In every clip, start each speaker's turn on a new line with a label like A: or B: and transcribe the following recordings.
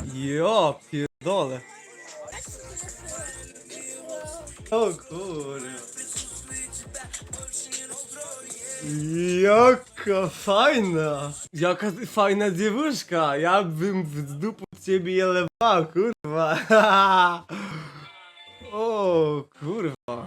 A: Jo, pierdolę. O kurwa. Jaka fajna. Jaka fajna dziewuszka. Ja bym w dupu ciebie jelewała, kurwa. O kurwa.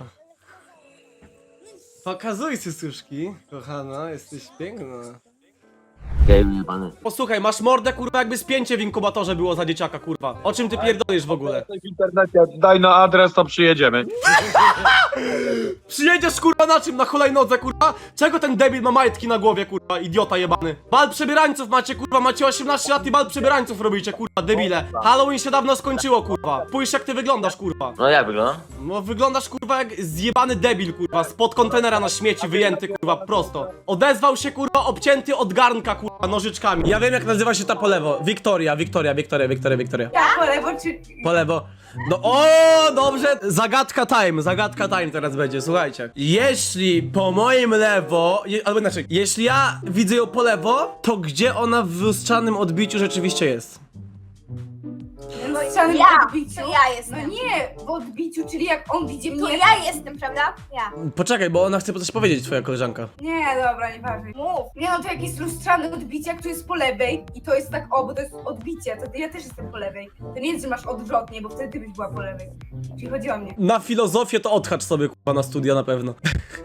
A: Pokazuj cycuszki, kochana, jesteś piękna.
B: Gej jebany.
A: Posłuchaj, masz mordę, kurwa, jakby spięcie w inkubatorze było za dzieciaka, kurwa. O czym ty pierdolisz w ogóle?
B: W internecie daj na adres, to przyjedziemy.
A: Przyjedziesz, kurwa, na czym? Na hulajnodze, kurwa? Czego ten debil ma majtki na głowie, kurwa, idiota jebany? Bal przebierańców macie, kurwa, macie 18 lat i bal przebierańców robicie, kurwa, debile. Halloween się dawno skończyło, kurwa. Spójrz, jak ty wyglądasz, kurwa.
B: No jak wygląda?
A: No wyglądasz, kurwa, jak zjebany debil, kurwa, spod kontenera na śmieci wyjęty, kurwa, prosto. Odezwał się, kurwa, obcięty od garnka, kurwa, nożyczkami. Ja wiem, jak nazywa się ta po lewo. Wiktoria.
C: Ja po lewo czy...
A: Po lewo. No o, dobrze. Zagadka time teraz będzie, słuchajcie. Jeśli po moim lewo, albo inaczej, jeśli ja widzę ją po lewo, to gdzie ona w lustrzanym odbiciu rzeczywiście jest?
C: No w samym odbiciu?
D: To ja jestem.
C: No nie, w odbiciu, czyli jak on widzi
D: To
C: mnie...
D: ja jestem, prawda? Ja.
A: Poczekaj, bo ona chce coś powiedzieć, twoja koleżanka.
C: Nie, dobra, nieważne.
D: Mów.
C: Nie no, to jak jest lustrzane odbicie, jak tu jest po lewej i to jest tak, o, bo to jest odbicie, to ja też jestem po lewej. To nie jest, że masz odwrotnie, bo wtedy ty byś była po lewej. Czyli chodzi o mnie.
A: Na filozofię to odhacz sobie, kurwa, na studia na pewno.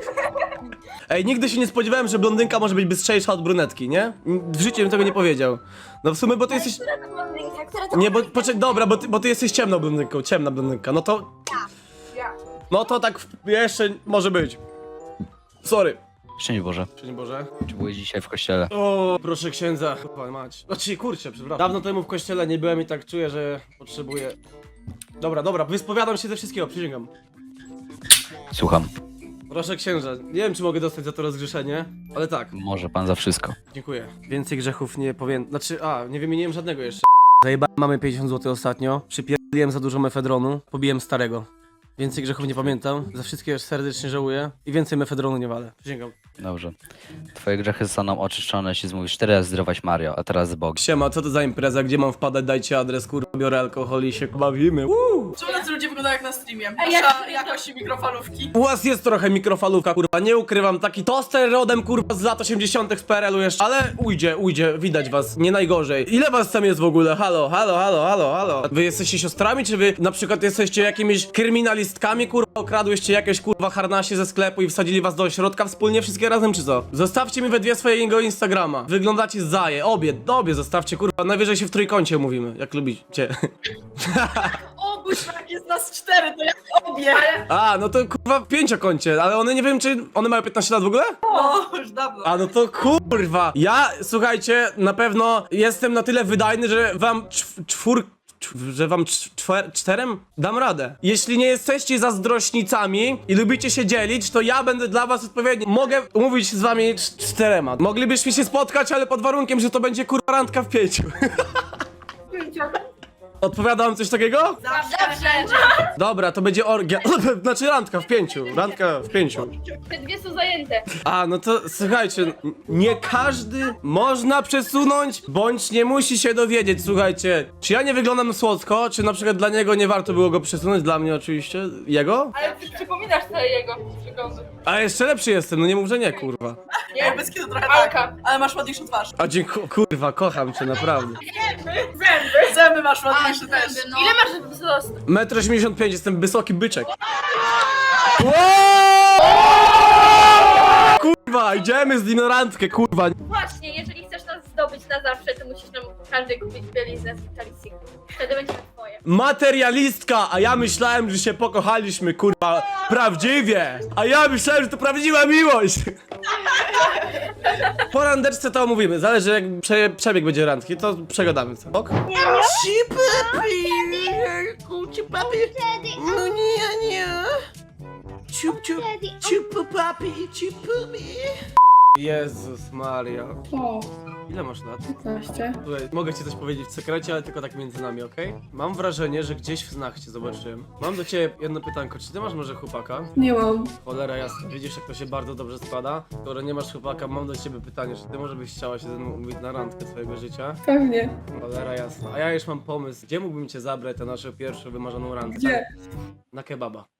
A: Ej, nigdy się nie spodziewałem, że blondynka może być bystrzejsza od brunetki, nie? W życiu bym tego nie powiedział. No w sumie, bo ty jesteś...
D: Która to blondynka? Która to
A: Nie, bo
D: blondynka?
A: poczekaj, dobra, bo ty jesteś ciemna blondynka, no to...
C: Ja.
A: No to tak jeszcze może być. Sorry.
E: Szczęść Boże.
A: Szczęść Boże.
E: Czy byłeś dzisiaj w kościele?
A: O, proszę księdza. Chyba mać. Znaczy, kurczę, przepraszam. Dawno temu w kościele nie byłem i tak czuję, że potrzebuję... Dobra, wyspowiadam się ze wszystkiego, przysięgam.
E: Słucham.
A: Proszę księża, nie wiem, czy mogę dostać za to rozgrzeszenie, ale tak,
E: Może pan za wszystko.
A: dziękuję. Więcej grzechów nie powiem... Znaczy, nie wymieniłem żadnego jeszcze. Zajebałem mamy 50 zł ostatnio, przypierdoliłem za dużo mefedronu, pobiłem starego. Więcej grzechów nie pamiętam, za wszystkie już serdecznie żałuję i więcej mefedronu nie walę, przysięgam.
E: Dobrze. Twoje grzechy zostaną oczyszczone, jeśli zmówisz 4 razy zdrować Mario, a teraz Bóg.
A: Siema, co to za impreza, gdzie mam wpadać, dajcie adres, kurwa, biorę alkohol i się bawimy.
F: Czemu tacy ludzie wyglądają jak na streamie?
C: Ej, jak-
F: Nasza jakość mikrofalówki.
A: U was jest trochę mikrofalówka, kurwa, nie ukrywam, taki toster rodem, kurwa, z lat 80 z PRL-u jeszcze, ale ujdzie, widać was, nie najgorzej. Ile was tam jest w ogóle? Halo. Wy jesteście siostrami, czy wy na przykład jesteście jakimiś kryminalistkami, kurwa, okradłyście jakieś, kurwa, harnasie ze sklepu i wsadzili was do ośrodka wspólnie, wszystkie razem, czy co? Zostawcie mi we dwie swojego Instagrama, wyglądacie zaje, obie zostawcie, kurwa, najwyżej się w trójkącie mówimy, jak lubicie.
F: O, buźmak, jest nas 4, to jak obie.
A: A, no to kurwa w pięciokącie, ale one nie wiem, czy one mają 15 lat w ogóle?
F: O, już dawno.
A: A no to kurwa. Ja, słuchajcie, na pewno jestem na tyle wydajny, że wam czterem dam radę. Jeśli nie jesteście zazdrośnicami i lubicie się dzielić, to ja będę dla was odpowiedni. Mogę umówić z wami czterema. Moglibyśmy się spotkać, ale pod warunkiem, że to będzie kurwa randka w 5. Odpowiadam coś takiego?
F: Zawsze.
A: Dobra, to będzie orgia. Znaczy randka w 5. Randka w 5.
D: Te dwie są zajęte.
A: A, no to słuchajcie, nie każdy można przesunąć, bądź nie musi się dowiedzieć, słuchajcie. Czy ja nie wyglądam słodko, czy na przykład dla niego nie warto było go przesunąć, dla mnie oczywiście, jego?
D: Ale ty przypominasz te jego przygody.
A: A jeszcze lepszy jestem, no nie mów, że nie, kurwa.
F: Nie, bez kitu trochę
D: Alka.
F: tak, ale masz ładniejszą twarz.
A: A dziękuję, kurwa, kocham cię, naprawdę.
F: Zęby masz ładniejsze też.
D: Ile masz wzrostu?
A: 1,85 m, jestem wysoki byczek. Kurwa, idziemy z nim na randkę, kurwa.
D: Właśnie, jeżeli chcesz nas zdobyć na zawsze, to musisz nam każdy kupić bieliznę z Vitalicy. Wtedy będzie to twoje.
A: Materialistka, a ja myślałem, że się pokochaliśmy, kurwa, prawdziwie. A ja myślałem, że to prawdziwa miłość. Po randeczce to omówimy, zależy jak przebieg będzie randki, to przegadamy, co? Ok?
F: No nie. Ciup, papi, ciup,
A: Jezus Maria.
G: O,
A: Ile masz lat?
G: 15.
A: Słuchaj, mogę ci coś powiedzieć w sekrecie, ale tylko tak między nami, okej? Mam wrażenie, że gdzieś w snach cię zobaczyłem. Mam do ciebie jedno pytanko, czy ty masz może chłopaka?
G: Nie mam.
A: Cholera jasna, widzisz jak to się bardzo dobrze składa? Skoro nie masz chłopaka, mam do ciebie pytanie, czy ty może byś chciała się ze mną umówić na randkę swojego życia?
G: Pewnie.
A: Cholera jasna, a ja już mam pomysł, gdzie mógłbym cię zabrać na naszą pierwszą wymarzoną randkę?
G: Gdzie?
A: Na kebaba.